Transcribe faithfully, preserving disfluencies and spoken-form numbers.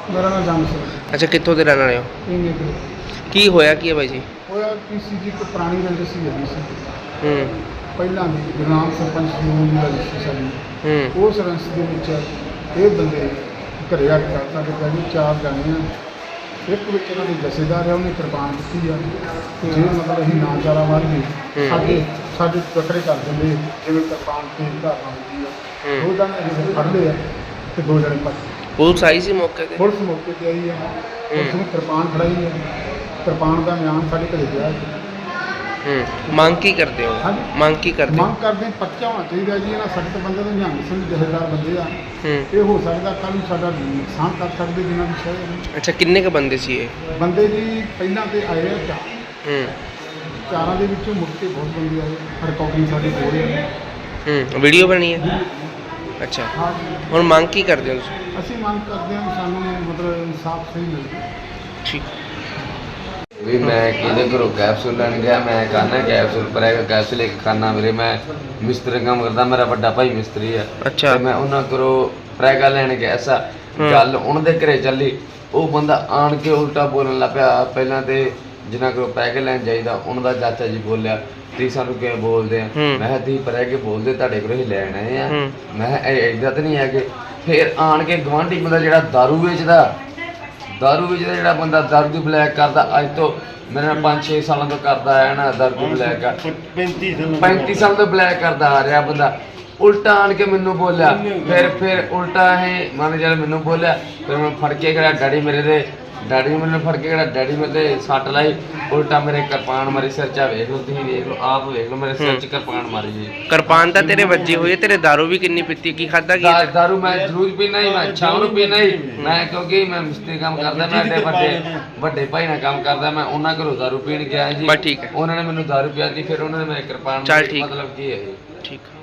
ਮੇਰਾ ਨਾਮ ਜੰਗ ਸਿੰਘ। ਅੱਛਾ, ਕਿੱਥੋਂ ਦੇ ਰਹਿਣ ਵਾਲੇ ਹੋ? ਇੰਨੇ ਕੁ ਕੀ ਹੋਇਆ ਕੀ ਹੈ ਬਾਈ ਜੀ? ਹੋਇਆ ਕੀ ਸੀ ਜੀ, ਇੱਕ ਪੁਰਾਣੀ ਰੰਜਿਸ਼ ਸੀ ਹੈਗੀ ਸੀ ਹੂੰ ਪਹਿਲਾਂ ਦੀ ਗੁਰਨਾਮ ਸਰਪੰਚ ਨੂੰ ਦੀ ਰੰਜਿਸ਼ ਸੀ ਸਾਡੀ। ਹੂੰ ਉਸ ਰੰਜਿਸ਼ ਦੇ ਵਿੱਚ ਇਹ ਬੰਦੇ ਘਰੇ ਆ ਕੇ ਕਰ ਸਾਡੇ ਪਿਆ ਜੀ ਚਾਰ ਜਾਣੇ ਆ। ਇੱਕ ਵਿੱਚ ਇਹਨਾਂ ਦੀ ਜਥੇਦਾਰ ਹੈ, ਉਹਨੇ ਕਿਰਪਾਨ ਦਿੱਤੀ ਆ ਤੇ ਜੇ ਮਤਲਬ ਅਸੀਂ ਨਾ ਚਾਰਾ ਮਾਰ ਗਏ ਹੂੰ। ਸਾਡੇ ਸਾਡੇ ਟੱਕਰੇ ਕਰ ਦਿੰਦੇ, ਜਿਵੇਂ ਕਿਰਪਾਨ ਤੇ ਧਾਰਨਾ ਹੁੰਦੀ ਆ। ਹੂੰ। ਦੋ ਜਣੇ ਜਿਹੜੇ ਫੜ ਲਏ ਆ ਤੇ ਦੋ ਜਣੇ ਭੱਜ ਗਏ। ਪੁਲਿਸ ਆਈ ਸੀ ਮੌਕੇ ਤੇ? ਪੁਲਿਸ ਮੌਕੇ ਤੇ ਆਈ ਹੈ, ਪੁਲਿਸ ਨੇ ਕਿਰਪਾਨ ਫੜਾਈ ਹੈ। ਕਿਰਪਾਨ ਦਾ ਮਿਆਨ ਸਾਡੇ ਘਰੇ ਪਿਆ ਹੈ। ਹੂੰ ਮੰਗ ਕੀ ਕਰਦੇ ਹੋ? ਹਾਂਜੀ। ਮੰਗ ਕੀ ਕਰਦੇ ਹੋ? ਮੰਗ ਕਰਦੇ ਹਾਂ, ਪਰਚਾ ਹੋਣਾ ਚਾਹੀਦਾ ਜੀ। ਇਹਨਾਂ ਸਖਤ ਬੰਦੇ ਦੇ ਨਿਹੰਗ ਸਿੰਘ ਜਥੇਦਾਰ ਬੰਦੇ ਆ। ਹੂੰ ਇਹ ਹੋ ਸਕਦਾ ਕੱਲ੍ਹ ਨੂੰ ਸਾਡਾ ਨੁਕਸਾਨ ਕਰ ਸਕਦੇ ਜਿਨ੍ਹਾਂ ਦੀ ਸ਼ਾਇਦ। ਅੱਛਾ, ਕਿੰਨੇ ਕ ਬੰਦੇ ਸੀ ਇਹ? ਬੰਦੇ ਜੀ ਪਹਿਲਾਂ ਤੇ ਆਏ ਆ ਚਾਰ, ਹੂੰ ਚਾਰਾਂ ਦੇ ਵਿੱਚੋਂ ਮੁੜ ਕੇ ਬਹੁਤ ਬੰਦੇ ਆਏ। ਰਿਕਾਰਡਿੰਗ ਸਾਡੀ ਹੋ ਰਹੀ ਹੈ। ਹੂੰ ਵੀਡੀਓ ਬਣੀ ਹੈ? ਅੱਛਾ, ਹਾਂ, ਹੁਣ ਮੰਗ ਕੀ ਕਰਦੇ ਹੋ ਤੁਸੀਂ? ਅਸੀਂ ਮੰਗ ਕਰਦੇ ਹਾਂ ਕਿ ਸਾਨੂੰ ਮਤਲਬ ਇਨਸਾਫ ਸਹੀ ਮਿਲੇ। ਠੀਕ। ਵੀ ਮੈਂ ਕਿਹਦੇ ਘਰੋਂ ਕੈਪਸੂਲ ਲੈਣ ਗਿਆ, ਮੈਂ ਖਾਣਾ ਕੈਪਸੂਲ ਪਰ ਹੈਗਾ ਕੈਪਸੂਲ ਇੱਕ ਖਾਣਾ ਵੀਰੇ। ਮੈਂ ਮਿਸਤਰੀ ਕੰਮ ਕਰਦਾ, ਮੇਰਾ ਵੱਡਾ ਭਾਈ ਮਿਸਤਰੀ ਆ। ਅੱਛਾ। ਤੇ ਮੈਂ ਉਹਨਾਂ ਘਰੋਂ ਪ੍ਰੈਗਾ ਲੈਣ ਗਿਆ ਐਸਾ ਗੱਲ ਉਹਨਾਂ ਦੇ ਘਰੇ ਚੱਲੀ। ਉਹ ਬੰਦਾ ਆਣ ਕੇ ਉਲਟਾ ਬੋਲਣ ਲੱਗ ਪਿਆ। ਪਹਿਲਾਂ ਤੇ ਜਿਨ੍ਹਾਂ ਕੋਲੋਂ ਪੈਗੇ ਲੈਣ ਜਾਈਦਾ ਉਹਨਾਂ ਦਾ ਚਾਚਾ ਜੀ ਬੋਲਿਆ ਤੁਸੀਂ ਸਾਨੂੰ ਕਿਵੇਂ ਬੋਲਦੇ ਆ? ਮੈਂ ਕਿਹਾ ਤੁਸੀਂ ਪੈਗੇ ਬੋਲਦੇ, ਤੁਹਾਡੇ ਕੋਲੋਂ ਹੀ ਲੈਣ ਆਏ ਆ। ਮੈਂ ਕਿਹਾ ਇੱਦਾਂ ਤਾਂ ਨਹੀਂ ਹੈਗੇ। ਫਿਰ ਆਣ ਕੇ ਗਵਾਂਢੀ ਬੰਦਾ ਜਿਹੜਾ ਦਾਰੂ ਵੇਚਦਾ ਦਾਰੂ ਵੇਚਦਾ ਜਿਹੜਾ ਬੰਦਾ ਦਾਰੂ ਦੀ ਬਲੈਕ ਕਰਦਾ, ਅੱਜ ਤੋਂ ਮੇਰੇ ਨਾਲ ਪੰਜ ਛੇ ਸਾਲਾਂ ਤੋਂ ਕਰਦਾ ਆਇਆ ਨਾ ਦਾਰੂ ਦੀ ਬਲੈਕ ਪੈਂਤੀ ਸਾਲ ਤੋਂ ਬਲੈਕ ਕਰਦਾ ਆ ਰਿਹਾ ਬੰਦਾ। ਉਲਟਾ ਆਣ ਕੇ ਮੈਨੂੰ ਬੋਲਿਆ। ਫਿਰ ਫਿਰ ਉਲਟਾ ਇਹ ਮੰਨ ਜਾ ਮੈਨੂੰ ਬੋਲਿਆ। ਫਿਰ ਮੈਂ ਫੜ ਕੇ ਕਿਹੜਾ ਡੈਡੀ ਮੇਰੇ ਦੇ ਡੈਡੀ ਨੂੰ ਮੈਨੂੰ ਫੜ ਕੇ ਕਿਹੜਾ ਡੈਡੀ ਮੇਰੇ ਤੇ ਸੱਟ ਲਾਈ। ਉਲਟਾ ਮੇਰੇ ਕਿਰਪਾਨ ਮਾਰੀ ਸਿਰ 'ਚ। ਵੇਖ ਲਓ ਤੁਸੀਂ, ਵੇਖ ਲਓ ਆਪ ਵੇਖ ਲਓ ਮੇਰੇ ਸਿਰ 'ਚ ਕਿਰਪਾਨ ਮਾਰੀ ਜੀ। ਕਿਰਪਾਨ ਤਾਂ ਤੇਰੇ ਵੱਜੀ ਹੋਈ ਹੈ। ਤੇਰੇ ਦਾਰੂ ਵੀ ਕਿੰਨੀ ਪੀਤੀ? ਕੀ ਖਾਦਾ ਕੀ? ਦਾ- ਦਾਰੂ ਮੈਂ ਜ਼ਰੂਰ ਪੀਣਾ ਹੀ, ਮੈਂ ਸ਼ਾਮ ਨੂੰ ਪੀਣਾ ਹੀ। ਮੈਂ ਕਿਉਂਕਿ ਮੈਂ ਮਿਸਤਰੀ ਕੰਮ ਕਰਦਾ, ਮੈਂ ਐਡੇ ਵੱਡੇ ਵੱਡੇ ਭਾਈ ਨਾਲ ਕੰਮ ਕਰਦਾ। ਮੈਂ ਉਹਨਾਂ ਘਰੋਂ ਦਾਰੂ ਪੀਣ ਗਿਆ ਜੀ। ਬਸ ਠੀਕ ਹੈ। ਉਹਨਾਂ ਨੇ ਮੈਨੂੰ ਦਾਰੂ ਪਿਆਤੀ, ਫਿਰ ਉਹਨਾਂ ਨੇ ਮੈਂ ਕਿਰਪਾਨ ਚੱਲ ਮਾਰੀ। ਠੀਕ। ਮਤਲਬ ਕੀ ਹੈ ਜੀ? ਠੀਕ।